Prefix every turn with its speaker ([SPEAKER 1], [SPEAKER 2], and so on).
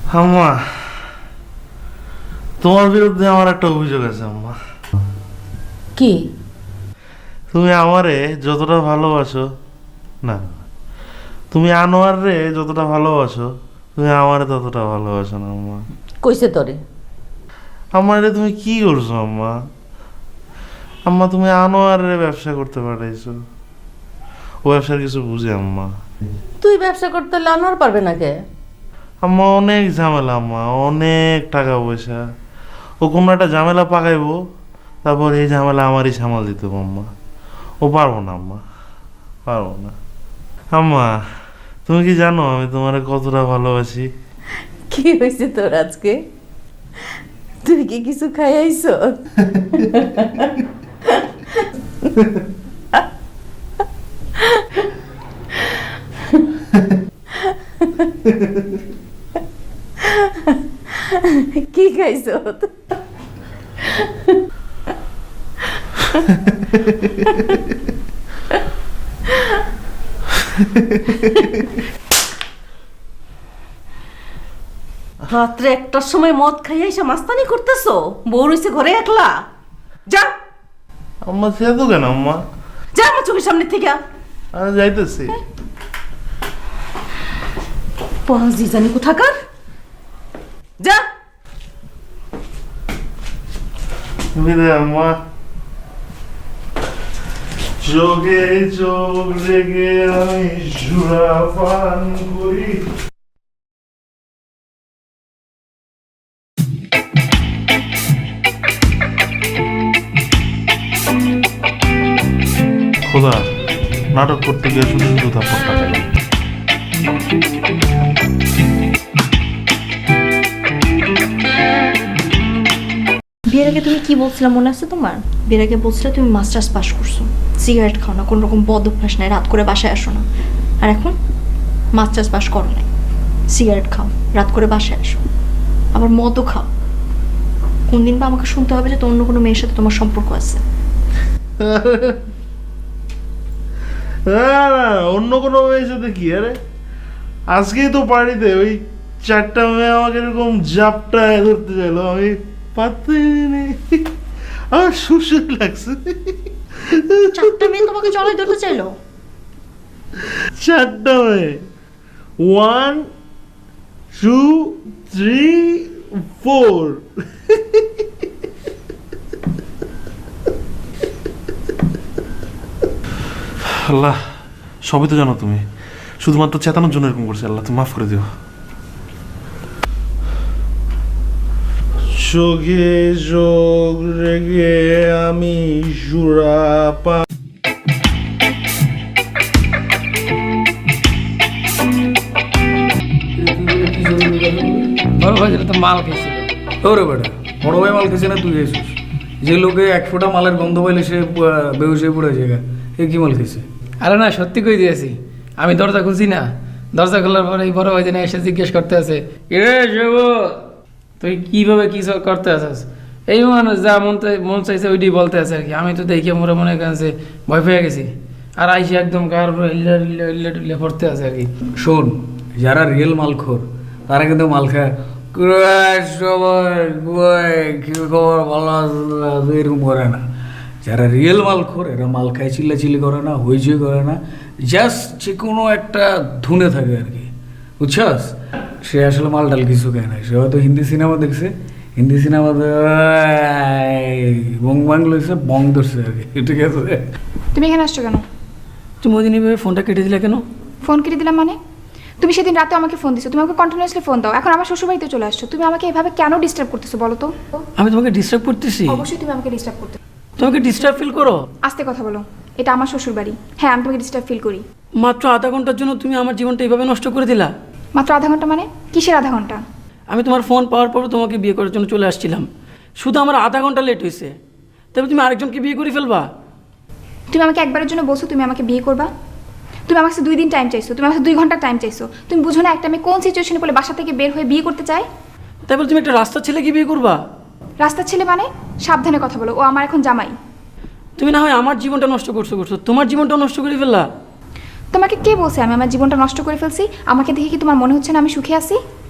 [SPEAKER 1] আম্মা, তোমার বিরুদ্ধে আমার একটা অভিযোগ আছে আম্মা।
[SPEAKER 2] কি?
[SPEAKER 1] তুমি আমারে যতটা ভালোবাসো, না তুমি আনোয়ার রে যতটা ভালোবাসো, তুমি আমারে ততটা ভালোবাসো না আম্মা।
[SPEAKER 2] কইছে তোরে?
[SPEAKER 1] আমারে তুমি কি করছো আম্মা? আম্মা তুমি আনোয়ার রে ব্যবসা করতে পাঠাইছো, ও ব্যবসার কিছু বুঝে আম্মা।
[SPEAKER 2] তুই ব্যবসা করতে হলে আনোয়ার পারবে না কে?
[SPEAKER 1] আম্মা অনেক ঝামেলা আম্মা, অনেক টাকা পয়সা। ও কোনো একটা ঝামেলা পাকাইবো, তারপর এই ঝামেলা আমারই সামাল দিতে হবে আম্মা। ও পারবো না আম্মা, পারবো না। আম্মা তুমি কি জানো আমি তোমার কতটা ভালোবাসি?
[SPEAKER 2] কি হয়েছে তোর আজকে? তুই কি কিছু খাইয়াইছ? কি খাইছ? রাত্রে একটার সময় মদ খাইয়া এসে মাস্তানি করতেছো? বউ রইছে ঘরে একলা? যা
[SPEAKER 1] আম্মা সে তো কেন আম্মা?
[SPEAKER 2] যা আমার চোখের সামনে থেকে।
[SPEAKER 1] আমি যাইতেছি।
[SPEAKER 2] পাঁচি জানি কোথাকার। যা।
[SPEAKER 1] বিদায় আম্মা। যোগে যোগ রেগে আমি সুরা পান করি। খোদা, নাটক করতে গিয়ে শুধু শুধু থাপ্পড়টা খাইলাম।
[SPEAKER 3] বিয়ের আগে তুমি কি বলছিলা মনে আছে তোমার? বিয়ের আগে বলছিলা তুমি মাস্টার্স পাস করছো, সিগারেট খাও না, কোনো রকম বদ অভ্যাস নাই, রাত করে বাসায় আসো না। আর এখন মাস্টার্স পাস করো নাই, সিগারেট খাও, রাত করে বাসায় আসো, আবার মদও খাও। কোন দিন বা আমাকে শুনতে হবে যে তো অন্য কোনো মেয়ের সাথে তোমার সম্পর্ক আছে।
[SPEAKER 1] অন্য কোনো মেয়ের সাথে কি? আরে আজকেই তো পার্টিতে ওই 4টা মেয়ে আমাকে এরকম জাপটায় ধরতে চাইলো, আমি পারতে নেই, আমার সুসুর লাগছে।
[SPEAKER 3] 4টা মেয়ে তোমাকে জড়াই ধরতে চাইলো?
[SPEAKER 1] 4টা মেয়ে, 1 2 3 4। আল্লাহ, সবই তো জানো তুমি, শুধুমাত্র চেতানোর জন্য এরকম করছে। আল্লাহ তুমি মাফ করে দিও। যোগে যোগ রেগে আমি সুরা পা।
[SPEAKER 4] বড় ভাই যেটা তো মাল খেয়েছিল।
[SPEAKER 5] ওরে বেটা, বড় ভাই মাল খেয়েছে না তুই খেয়েছিস? যে লোকে 1 ফোঁটা মালের গন্ধ পাইলে সে বেহুশ হয়ে পড়ে জায়গা, এ কি মাল খেয়েছে?
[SPEAKER 4] আরে না, সত্যি কই দিয়েছি। আমি দরজা খুলছি না, দরজা খোলার পরে এই বড় ভাই যেন এসে জিজ্ঞেস করতে আছে, এ শিব তুই কিভাবে কি সব করতে আসিস? এই মানুষ যা মন চাইছে ওইটি বলতে আছে আর কি। আমি তো দেখে মোরে মনে করেন যে ভয় পেয়ে গেছি, আর আইসি একদম কার উপরে ইল্লা পড়তে আছে আর কি।
[SPEAKER 5] শোন, যারা রিয়েল মালখোর তারা কিন্তু মাল খায় সবাই কি খবর ভালো আছে এরকম করে না। যারা রিয়েল মালখোর এরা মাল খায় চিল্লাচিল্লি করে না, হইচই করে না, জাস্ট যে কোনো একটা ধুনে থাকে আর কি, বুঝছস? সে আসলে মাল ডাল কিছু খায় না। সে হয়তো হিন্দি সিনেমা দেখছে, হিন্দি সিনেমাতে বং বাং লইছে, বং ধরছে আর কি, ঠিক আছে?
[SPEAKER 6] তুমি এখানে আসছো কেন?
[SPEAKER 4] তুমি ওই দিন এইভাবে ফোনটা কেটে দিলে কেন?
[SPEAKER 6] ফোন কেটে দিলাম মানে? তুমি সেদিন রাতে আমাকে ফোন দিছো, তুমি আমাকে কন্টিনিউয়াসলি ফোন দাও, এখন আমার শ্বশুরবাড়িতে চলে আসছো, তুমি আমাকে এভাবে কেন ডিস্টার্ব করতেছো বলো তো?
[SPEAKER 4] আমি তোমাকে ডিস্টার্ব করতেছি?
[SPEAKER 6] অবশ্যই তুমি আমাকে ডিস্টার্ব করতে।
[SPEAKER 4] তোমাকে ডিস্টার্ব ফিল করো?
[SPEAKER 6] আস্তে কথা বলো, এটা আমার শ্বশুরবাড়ি। হ্যাঁ, আমি তোমাকে ডিস্টার্ব ফিল করি।
[SPEAKER 4] মাত্র আধা ঘন্টার জন্য তুমি আমার জীবনটা এইভাবে নষ্ট করে দিলা।
[SPEAKER 6] মাত্র আধা ঘন্টা মানে? কিসের আধা ঘন্টা?
[SPEAKER 4] আমি তোমার ফোন পাওয়ার পর তোমাকে বিয়ে করার জন্য চলে আসছিলাম, শুধু আমার আধা ঘন্টা লেট হয়েছে, তবে তুমি আরেকজনকে বিয়ে করে ফেলবা?
[SPEAKER 6] তুমি আমাকে একবারের জন্য বলছো তুমি আমাকে বিয়ে করবা? তুমি আমার কাছে 2 দিন টাইম চাইছো, তুমি আমার কাছে 2 ঘন্টা টাইম চাইছো। তুমি বুঝো না একটা আমি কোন সিচুয়েশনে পড়লে বাসা থেকে বের হয়ে বিয়ে করতে চাই?
[SPEAKER 4] তাই বলে তুমি একটা রাস্তার ছেলেকে বিয়ে করবা?
[SPEAKER 6] রাস্তার ছেলে মানে? সাবধানে কথা বলো, ও আমার এখন জামাই।
[SPEAKER 4] তুমি না হয় আমার জীবনটা নষ্ট করছো, তোমার জীবনটা নষ্ট করে ফেললা।
[SPEAKER 6] তোমাকে কে বলছে আমি আমার জীবনটা নষ্ট করে ফেলছি? আমাকে দেখে কি তোমার মনে হচ্ছে না আমি সুখে আছি?